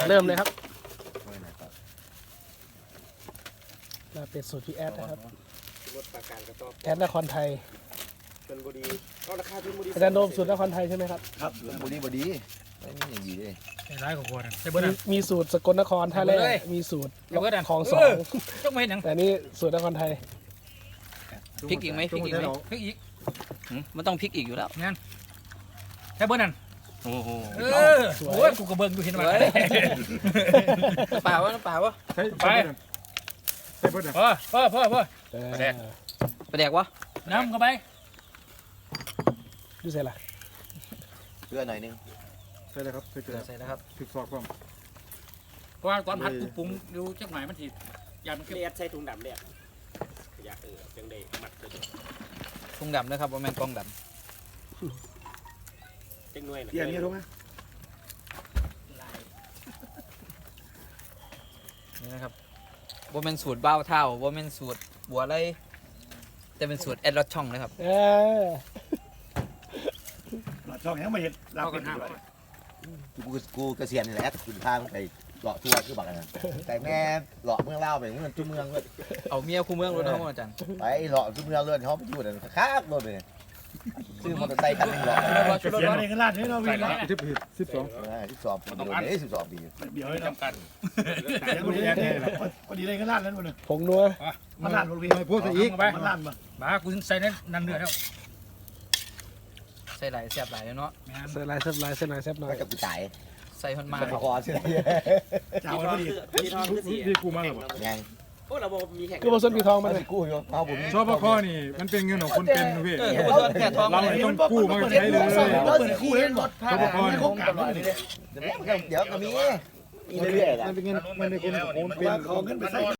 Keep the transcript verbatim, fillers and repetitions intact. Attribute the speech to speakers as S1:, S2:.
S1: เริ่มเลยครับลาเป็ดสูตรพี่แอดนะครับแอดนครไทยอาจารย์โดมสูตรนครไทยใช่ไหมครับ
S2: ครับบุรีบดีไม่มีอย่างดีเลย
S3: ไอ้ร้ายกว่าคนใช่เบิร์ด
S1: มีสูตรสกลนครท่าแรกมีสูตรคลองสอง
S3: ต้องไม่เห็นยัง
S1: แต่นี่สูตรนครไทย
S4: พริกอีกไหมพริกอีกไหม
S3: พริกอีก
S4: มันต้องพริกอีกอยู่แล้ว
S3: งั้นใช่เบิร์ดนั่น
S4: โอ้โห
S3: เออโอ้ยกูกระเบิงดูเห็นไหม
S4: เปล่าวะเปล่าวะ
S3: ไปใช่เบิร์ดพ่อพ่อพ่อพ่อไปแดก
S4: ไปแดกวะ
S3: น้ำเข้าไป
S1: ดูใส่ละ
S2: เกลือหน่อยนึง
S5: ใส่เลยครับใส่เกลือ
S4: ใส่แล้วครับ
S5: พริกซอกก่อน
S3: เพราะว่าตอนผัดกูปรุงดูจักหน่อยมันถียันมัน
S6: เลียดใส่ถุงดำเนี่ยอยากเออจังได้มัดเลย
S4: ถุงดำนะครับว่าแมงกองดำ
S6: จังหน่วย
S5: เอี่ยนี่รู้ไหม
S4: นี่นะครับว่าเป็นสูตรเบ้าเท่าว่าเป็นสูตรบัวไรแต่เป็นสูตรแอดลอดช่องนะครับ
S1: เออ
S5: ช่องยังไม่เห็นเรากันห้า
S2: กูกูเกษียณนี่แหละคุณพาไปหล่อทัวร์คือบักนะแต่แม่หล่อเมืองเล่าไปเมืองจุ่เมืองเลย
S4: เอาเมียคู่เมืองรถเขาอาจารย์
S2: ไปหล่อจุ่เมืองเลยเขาไปอยู่นั่นค้างรถเลยซื้อมอเตอร์ไซค์คันนึงหล่อ
S5: เกษียณในขนาดนี้เราวิ่งสิบสิบสอง
S2: สิบสองปีเลยสิบสองปี
S5: เดี๋ยวให้จำกัดยังไม่ได้เลยพอดีเลยขนาดนั้นหมดเลย
S1: ผงนัว
S5: มันลั่นรถวิ่งพูดซะอีกมันลั่นมา
S3: บ้ากูใส่นั้นนั่นเดือดแล้ว
S4: ใส่หลายแซ่บหลายเนาะ
S1: ใส่ลายแซ่บลายใส่หน่อยแซ่บหน่อย
S2: กับกูจ่าย
S4: ใส่พันมา
S2: คอใช่ไหม
S5: จ่ายพอดีพี่กูมาหรอ
S2: ยัง
S6: พวกเราบอกมีแข่ง
S1: คือผสมปีทองมาเลย
S2: กู้อยู่เอาผม
S5: ชอบพ่อนี่มันเป็นเงินของคนเป็นพี่
S4: เรา
S5: ต้องกู้มาใช้เลย
S2: เราเปิดกู้เล่นหมดชอบพ่อนี่เดี๋ยวเดี๋ยวก็มีอีเรื่อยๆ
S5: มันเป็นเงินมันเป็นเงินของคนเป็น